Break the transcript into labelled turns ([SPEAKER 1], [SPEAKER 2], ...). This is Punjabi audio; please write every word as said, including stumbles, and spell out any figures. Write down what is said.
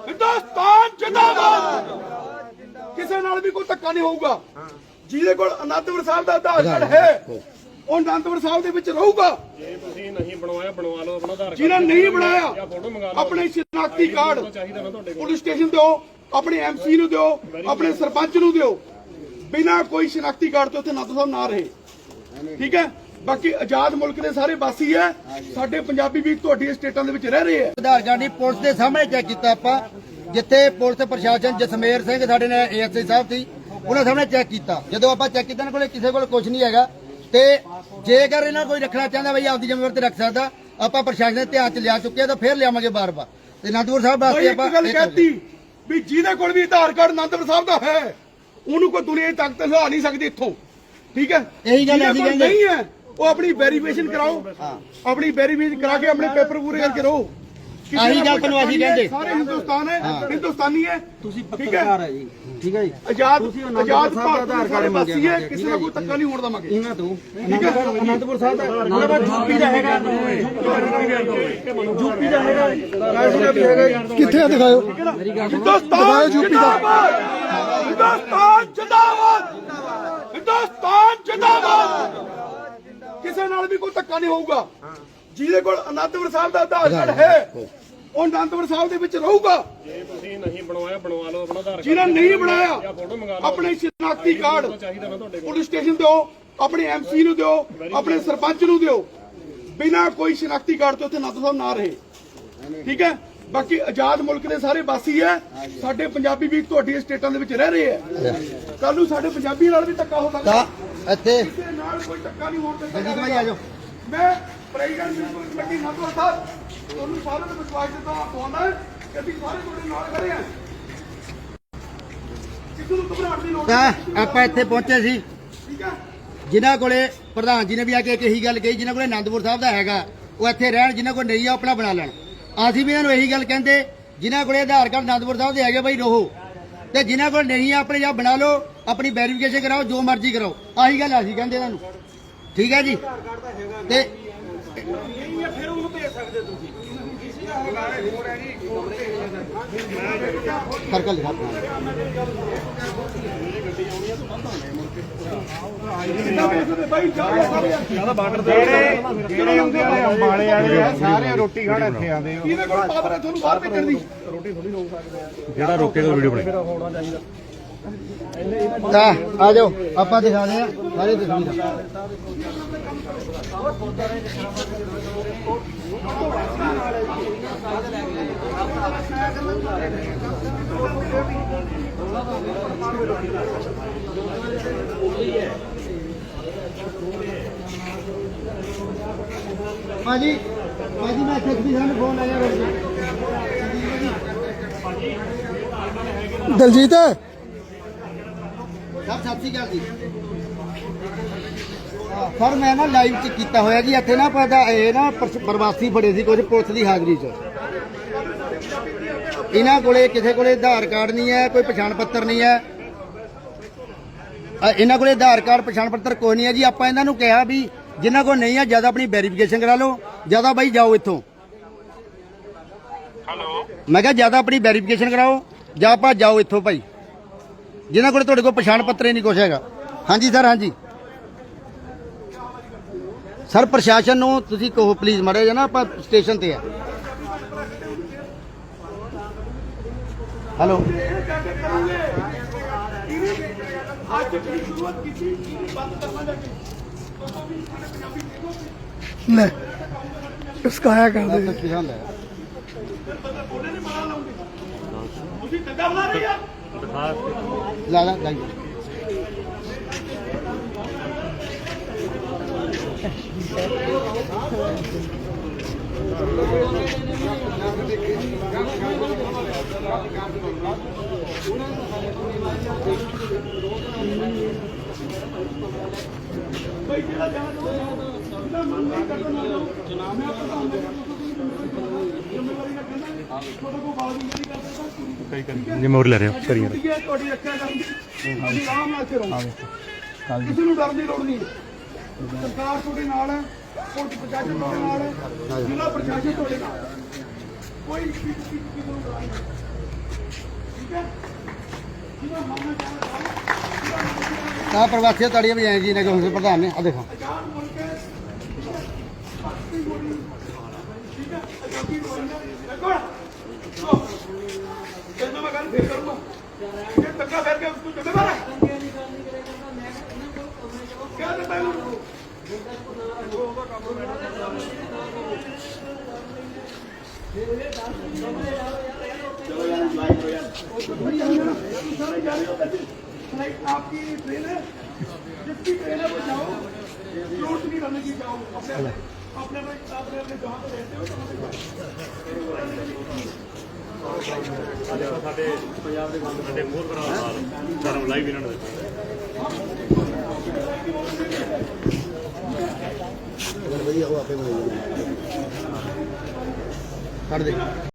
[SPEAKER 1] हिंदुस्तान जिंदाबाद। किसी नाल भी कोई धक्का नहीं होगा। ਜਿਹਦੇ ਕੋਲ ਅਨੰਦਪੁਰ ਸਾਹਿਬ ਦਾ ਆਧਾਰ ਕਾਰਡ ਹੈ ਉਹ ਅਨੰਦਪੁਰ ਸਾਹਿਬ ਦੇ ਵਿੱਚ ਰਹੂਗਾ।
[SPEAKER 2] ਜੇ ਤੁਸੀਂ ਨਹੀਂ ਬਣਵਾਇਆ ਬਣਵਾ ਲਓ ਆਪਣਾ ਆਧਾਰ ਕਾਰਡ।
[SPEAKER 1] ਜਿਹਨਾਂ ਨਹੀਂ ਬਣਾਇਆ ਆਪਣੇ ਸ਼ਨਾਖਤੀ ਕਾਰਡ ਪੁਲਿਸ ਸਟੇਸ਼ਨ ਦਿਓ, ਆਪਣੇ ਐਮਸੀ ਨੂੰ ਦਿਓ, ਆਪਣੇ ਸਰਪੰਚ ਨੂੰ ਦਿਓ। ਬਿਨਾਂ ਕੋਈ ਸ਼ਨਾਖਤੀ ਕਾਰਡ ਤੋਂ ਉੱਥੇ ਅਨੰਦਪੁਰ ਸਾਹਿਬ ਨਾ ਰਹੇ। ਠੀਕ ਹੈ। ਬਾਕੀ ਆਜ਼ਾਦ ਮੁਲਕ ਦੇ ਸਾਰੇ ਵਾਸੀ ਹੈ। ਸਾਡੇ ਪੰਜਾਬੀ ਵੀ ਤੁਹਾਡੀ ਸਟੇਟਾਂ ਦੇ ਵਿੱਚ ਰਹਿ ਰਹੇ ਆ।
[SPEAKER 3] ਆਧਾਰ ਕਾਰਡ ਦੀ ਪੁਲਿਸ ਦੇ ਸਾਹਮਣੇ ਚੈੱਕ ਕੀਤਾ ਆਪਾਂ, ਜਿੱਥੇ ਪੁਲਿਸ ਪ੍ਰਸ਼ਾਸਨ ਜਸਮੇਰ ਸਿੰਘ ਸਾਡੇ ਨੇ ਏਐਸਆਈ ਸਾਹਿਬ ਸੀ, ਉਹਨਾਂ ਸਾਹਮਣੇ ਚੈੱਕ ਕੀਤਾ। ਜਦੋਂ ਆਪਾਂ ਚੈੱਕ ਕੀਤਾ, ਇਹਨਾਂ ਕੋਲੇ ਕਿਸੇ ਕੋਲ ਕੁਝ ਨਹੀਂ ਹੈਗਾ। ਤੇ ਜੇਕਰ ਇਹਨਾਂ ਕੋਈ ਰੱਖਣਾ ਚਾਹੁੰਦਾ ਬਈ ਆਪਦੀ ਜ਼ਿੰਮੇਵਾਰੀ ਤੇ ਰੱਖ ਸਕਦਾ। ਆਪਾਂ ਪ੍ਰਸ਼ਾਸਨ ਦੇ ਧਿਆਨ ਚ ਲਿਆ ਚੁੱਕੇ ਆ, ਤਾਂ ਫੇਰ ਲਿਆਵਾਂਗੇ ਬਾਰ-ਬਾਰ। ਤੇ ਅਨੰਦਪੁਰ ਸਾਹਿਬ ਵਾਸਤੇ ਆਪਾਂ
[SPEAKER 1] ਗੱਲ ਕਹਿਤੀ ਵੀ ਜਿਹਦੇ ਕੋਲ ਵੀ ਆਧਾਰ ਕਾਰਡ ਅਨੰਦਪੁਰ ਸਾਹਿਬ ਦਾ ਹੈ ਉਹਨੂੰ ਕੋਈ ਦੁਨੀਆ ਦੀ ਤਾਕਤ ਹਿਲਾ ਨਹੀਂ ਸਕਦੀ ਇੱਥੋਂ। ਠੀਕ ਹੈ।
[SPEAKER 3] ਇਹੀ ਗੱਲ ਅਸੀਂ ਕਹਿੰਦੇ
[SPEAKER 1] ਨਹੀਂ ਹੈ ਉਹ ਆਪਣੀ ਵੈਰੀਫਿਕੇਸ਼ਨ ਕਰਾਓ, ਆਪਣੀ ਵੈਰੀਫਿਕੇਸ਼ਨ ਕਰਾ ਕੇ ਆਪਣੇ ਪੇਪਰ ਪੂਰੇ ਕਰਕੇ ਰਹੋ।
[SPEAKER 3] ਆਹੀ ਗੱਲ ਤੁਹਾਨੂੰ ਅਸੀਂ ਕਹਿੰਦੇ
[SPEAKER 1] ਸਾਰੇ ਹਿੰਦੁਸਤਾਨ ਹੈ, ਹਿੰਦੁਸਤਾਨੀ ਹੈ।
[SPEAKER 3] ਤੁਸੀਂ ਪੱਤਰਕਾਰ ਹੈ ਜੀ। ਠੀਕ ਹੈ ਜੀ।
[SPEAKER 1] ਆਜ਼ਾਦ ਆਜ਼ਾਦ ਭਾਰਤ ਦਾ ਆਧਾਰ ਵਾਸੀ ਹੈ। ਕਿਸੇ ਦਾ ਕੋਈ ਧੱਕਾ ਨਹੀਂ ਹੋਣ ਦੇਵਾਂਗੇ ਇਹਨਾਂ ਤੋਂ। ਠੀਕ ਹੈ।
[SPEAKER 3] ਅਨੰਦਪੁਰ ਸਾਹਿਬ ਦਾ ਯੂਪੀ ਦਾ ਹੈਗਾ, ਯੂਪੀ ਦਾ ਹੈਗਾ,
[SPEAKER 4] ਕਿੱਥੇ ਆ ਦਿਖਾਓ।
[SPEAKER 1] ਹਿੰਦੁਸਤਾਨ ਜਿੰਦਾਬਾਦ, ਹਿੰਦੁਸਤਾਨ ਜਿੰਦਾਬਾਦ, ਹਿੰਦੁਸਤਾਨ ਜਿੰਦਾਬਾਦ। ਕਿਸੇ ਨਾਲ ਵੀ ਕੋਈ ਧੱਕਾ ਨਹੀਂ ਹੋਊਗਾ। ਜਿਹਦੇ ਕੋਲ ਅਨੰਦਪੁਰ ਸਾਹਿਬ ਦਾ ਆਧਾਰ ਕਾਰਡ ਹੈ ਉਹ ਅਨੰਦਪੁਰ ਸਾਹਿਬ ਦੇ ਵਿੱਚ ਰਹੂਗਾ।
[SPEAKER 2] ਜੇ ਤੁਸੀਂ ਨਹੀਂ ਬਣਵਾਇਆ ਬਣਵਾ ਲਓ ਆਪਣਾ ਆਧਾਰ ਕਾਰਡ।
[SPEAKER 1] ਜਿਹਨਾਂ ਨਹੀਂ ਬਣਾਇਆ ਆਪਣੇ ਸ਼ਨਾਖਤੀ ਕਾਰਡ ਪੁਲਿਸ ਸਟੇਸ਼ਨ ਦਿਓ, ਆਪਣੇ ਐਮਸੀ ਨੂੰ ਦਿਓ, ਆਪਣੇ ਸਰਪੰਚ ਨੂੰ ਦਿਓ। ਬਿਨਾਂ ਕੋਈ ਸ਼ਨਾਖਤੀ ਕਾਰਡ ਤੋਂ ਉੱਥੇ ਅਨੰਦਪੁਰ ਸਾਹਿਬ ਨਾ ਰਹੇ। ਠੀਕ ਹੈ। ਬਾਕੀ ਆਜ਼ਾਦ ਮੁਲਕ ਦੇ ਸਾਰੇ ਵਾਸੀ ਹੈ। ਸਾਡੇ ਪੰਜਾਬੀ ਵੀ ਤੁਹਾਡੀ ਸਟੇਟਾਂ ਦੇ ਵਿੱਚ ਰਹਿ ਰਹੇ ਆ। ਕੱਲ ਨੂੰ ਸਾਡੇ ਪੰਜਾਬੀ ਨਾਲ ਵੀ ਧੱਕਾ ਹੋ ਸਕਦਾ।
[SPEAKER 3] ਇੱਥੇ
[SPEAKER 1] ਕਿਸੇ ਨਾਲ ਕੋਈ ਧੱਕਾ ਨਹੀਂ ਹੋਣ ਦਿੱਤਾ
[SPEAKER 3] ਜਲਦੀ ਭਾਈ ਆ ਜਾਓ।
[SPEAKER 1] ਮੈਂ president municipal committee Anandpur Sahib ਤੁਹਾਨੂੰ ਸਾਰਿਆਂ ਨੂੰ ਵਿਸ਼ਵਾਸ ਦਿੱਤਾ ਪਾਉਂਦਾ ਕਿ ਅਸੀਂ ਸਾਰੇ ਤੁਹਾਡੇ ਨਾਲ ਖੜੇ ਹਾਂ। ਕਿਸੇ ਨੂੰ ਘਬਰਾਉਣ ਦੀ ਲੋੜ
[SPEAKER 3] ਤਾਂ
[SPEAKER 1] ਨਹੀਂ।
[SPEAKER 3] ਆਪਾਂ ਇੱਥੇ ਪਹੁੰਚੇ ਸੀ,
[SPEAKER 1] ਠੀਕ ਹੈ।
[SPEAKER 3] ਜਿਨ੍ਹਾਂ ਕੋਲੇ ਪ੍ਰਧਾਨ ਜੀ ਨੇ ਵੀ ਆ ਕੇ ਇੱਕ ਇਹੀ ਗੱਲ ਕਹੀ, ਜਿਨ੍ਹਾਂ ਕੋਲੇ ਅਨੰਦਪੁਰ ਸਾਹਿਬ ਦਾ ਹੈਗਾ ਉਹ ਇੱਥੇ ਰਹਿਣ, ਜਿਨ੍ਹਾਂ ਕੋਲ ਨਹੀਂ ਆ ਆਪਣਾ ਬਣਾ ਲੈਣ। ਅਸੀਂ ਵੀ ਇਹਨਾਂ ਨੂੰ ਇਹੀ ਗੱਲ ਕਹਿੰਦੇ, ਜਿਨ੍ਹਾਂ ਕੋਲੇ ਆਧਾਰ ਕਾਰਡ ਅਨੰਦਪੁਰ ਸਾਹਿਬ ਦੇ ਹੈਗੇ ਬਈ ਰਹੋ, ਤੇ ਜਿਨ੍ਹਾਂ ਕੋਲ ਨਹੀਂ ਆ ਆਪਣੇ ਜਾਂ ਬਣਾ ਲਓ, ਆਪਣੀ ਵੈਰੀਫਿਕੇਸ਼ਨ ਕਰਾਓ, ਜੋ ਮਰਜ਼ੀ ਕਰਾਓ। ਆਹੀ ਗੱਲ ਅਸੀਂ ਕਹਿੰਦੇ ਇਹਨਾਂ ਨੂੰ। ਠੀਕ ਹੈ ਜੀ। ਤੇ
[SPEAKER 1] ਫਿਰ ਉਹਨੂੰ ਭੇਜ ਸਕਦੇ ਤੁਸੀਂ।
[SPEAKER 3] ਸਰਕਲ ਲਿਖਾ
[SPEAKER 4] ਜਿਹੜੇ ਹੁੰਦੇ ਆ ਅੰਬਾਲੇ ਵਾਲੇ ਆ ਸਾਰੇ ਰੋਟੀ ਖਾਣ ਇੱਥੇ ਆਉਂਦੇ ਆ।
[SPEAKER 1] ਇਹਦੇ ਕੋਲ ਪਾਵਰ ਹੈ ਤੁਹਾਨੂੰ ਬਾਹਰ ਭੇਜਣ ਦੀ।
[SPEAKER 4] ਜਿਹੜਾ ਰੋਕੇਗਾ ਵੀਡੀਓ ਬਣੇ।
[SPEAKER 3] ਤਾਂ ਆ ਜਾਓ, ਆਪਾਂ ਦਿਖਾਦੇ ਆ ਸਾਰੇ ਤਸਵੀਰਾਂ। ਭਾਜੀ ਭਾਜੀ ਮੈਂ ਐਸਐਸਪੀ ਸਾਹਿਬ ਨੂੰ ਫੋਨ ਲਾਇਆ ਰੋਜ਼।
[SPEAKER 4] ਦਲਜੀਤ
[SPEAKER 3] ਸਭ ਸਤਿ ਸ਼੍ਰੀ ਅਕਾਲ ਜੀ। ਸਰ ਮੈਂ ਨਾ ਲਾਈਵ ਚ ਕੀਤਾ ਹੋਇਆ ਜੀ ਇੱਥੇ ਨਾ ਪਤਾ ਇਹ ਨਾ ਪ੍ਰਵਾਸੀ ਫੜੇ ਸੀ ਕੁਝ ਪੁਲਿਸ ਦੀ ਹਾਜ਼ਰੀ ਚ। ਇਹਨਾਂ ਕੋਲੇ ਕਿਸੇ ਕੋਲੇ ਆਧਾਰ ਕਾਰਡ ਨਹੀਂ ਹੈ, ਕੋਈ ਪਛਾਣ ਪੱਤਰ ਨਹੀਂ ਹੈ। ਇਹਨਾਂ ਕੋਲੇ ਆਧਾਰ ਕਾਰਡ ਪਛਾਣ ਪੱਤਰ ਕੋਈ ਨਹੀਂ ਹੈ ਜੀ। ਆਪਾਂ ਇਹਨਾਂ ਨੂੰ ਕਿਹਾ ਵੀ ਜਿਨ੍ਹਾਂ ਕੋਲ ਨਹੀਂ ਹੈ ਜਿਆਦਾ ਆਪਣੀ ਵੈਰੀਫਿਕੇਸ਼ਨ ਕਰਾ ਲਓ, ਜਿਆਦਾ ਬਾਈ ਜਾਓ ਇੱਥੋਂ। ਹੈਲੋ ਮੈਂ ਕਿਹਾ ਜਿਆਦਾ ਆਪਣੀ ਵੈਰੀਫਿਕੇਸ਼ਨ ਕਰਾਓ ਜਾਂ ਆਪਾਂ ਜਾਓ ਇੱਥੋਂ ਭਾਈ, ਜਿਨ੍ਹਾਂ ਕੋਲ ਤੁਹਾਡੇ ਕੋਲ ਪਛਾਣ ਪੱਤਰ ਹੀ ਨਹੀਂ ਕੁਛ ਹੈਗਾ। ਹਾਂਜੀ ਸਰ। ਹਾਂਜੀ ਸਰ ਪ੍ਰਸ਼ਾਸਨ ਨੂੰ ਤੁਸੀਂ ਕਹੋ ਪਲੀਜ਼ ਮਾੜਾ ਜਿਹਾ ਨਾ, ਆਪਾਂ ਸਟੇਸ਼ਨ ਤੇ ਆ। ਹੈਲੋ
[SPEAKER 1] ਅੱਜ ਜਿਹੜੀ ਸ਼ੁਰੂਆਤ ਕੀਤੀ ਬੰਦ ਕਰਨਾ ਜਾ ਕੇ
[SPEAKER 4] ਲੈ ਸਕਾਇਆ ਕਰਦੇ
[SPEAKER 3] ਪਛਾਣ ਲੈ
[SPEAKER 1] ਤੁਸੀਂ ਦੰਗਾ ਬਣਾ ਰਹੇ ਆ।
[SPEAKER 3] ਲਾ ਲਾ ਲਾਈ
[SPEAKER 1] ਬਈ ਜਿਹੜਾ ਜਾਣਾ ਚਾਹੁੰਦਾ ਮਨ ਨਹੀਂ ਕਰਦਾ ਨਾ ਲਓ। ਮੈਂ ਪ੍ਰਧਾਨ ਦੇ ਜ਼ਿੰਮੇਵਾਰੀ ਨਾਲ ਕਹਿੰਦਾ ਤੁਹਾਡੇ ਕੋਲ ਬਾਲ ਨਹੀਂ ਕਰਦਾ
[SPEAKER 4] ਕਈ ਕਰੀ ਜ਼ਿੰਮੇਵਾਰੀ ਲੈ ਰਹੇ ਹੋ ਕਰੀਏ।
[SPEAKER 1] ਤੁਹਾਡੀ ਰੱਖਿਆ ਕਰਨ ਦੀ ਤੁਸੀਂ ਆਰਾਮ ਨਾਲ ਇੱਥੇ ਰਹੋ। ਕਿਸੇ ਨੂੰ ਡਰਨ ਦੀ ਲੋੜ ਨਹੀਂ। ਸਰਕਾਰ ਤੁਹਾਡੇ ਨਾਲ ਹੈ, ਪੁਲਿਸ ਪ੍ਰਸ਼ਾਸਨ ਤੁਹਾਡੇ ਨਾਲ ਹੈ, ਜ਼ਿਲ੍ਹਾ ਪ੍ਰਸ਼ਾਸਨ ਤੁਹਾਡੇ ਨਾਲ ਹੈ। ਕੋਈ ਕਿਸੇ ਨੂੰ ਡਰਾਈ ਨਹੀਂ।
[SPEAKER 3] ਤਾਂ ਪ੍ਰਵਾਸੀ ਤਾੜੀਆਂ ਵਜਾਏ ਜੀ ਨੇ ਕਿ ਹੁਣ ਪ੍ਰਧਾਨ ਨੇ ਆ ਦੇਖੋ
[SPEAKER 1] ਜਦੋਂ ਮੈਂ ਗੱਲ ਫੇਰ ਕਰੂੰਗਾ ਇਹ ਧੱਕਾ ਫੇਰ ਕੇ ਉਸਨੂੰ ਜ਼ਿੰਮੇਵਾਰ ਹੈ ਕਿਆ ਦਿੱਤਾ ਇਹਨੂੰ चलो यार लाइव हो यार सारे जा रहे हो फ्लाइट आपकी ट्रेन है जिसकी ट्रेन है वो जाओ लूट नहीं करने की जाओ अपने अपने अपने अपने अपने जहाँ पे रहते हो
[SPEAKER 2] ਸਾਡੇ ਪੰਜਾਬ ਦੇ ਬੰਦ ਸਾਡੇ ਮੋਹਰ ਕਰਾ ਨਾਲ ਧਰਮ ਲਾਈਵ ਇਹਨਾਂ ਨੇ
[SPEAKER 3] ਵਧੀਆ ਉਹ ਆਪੇ ਬਣਾਈ ਕੱਢ ਦੇ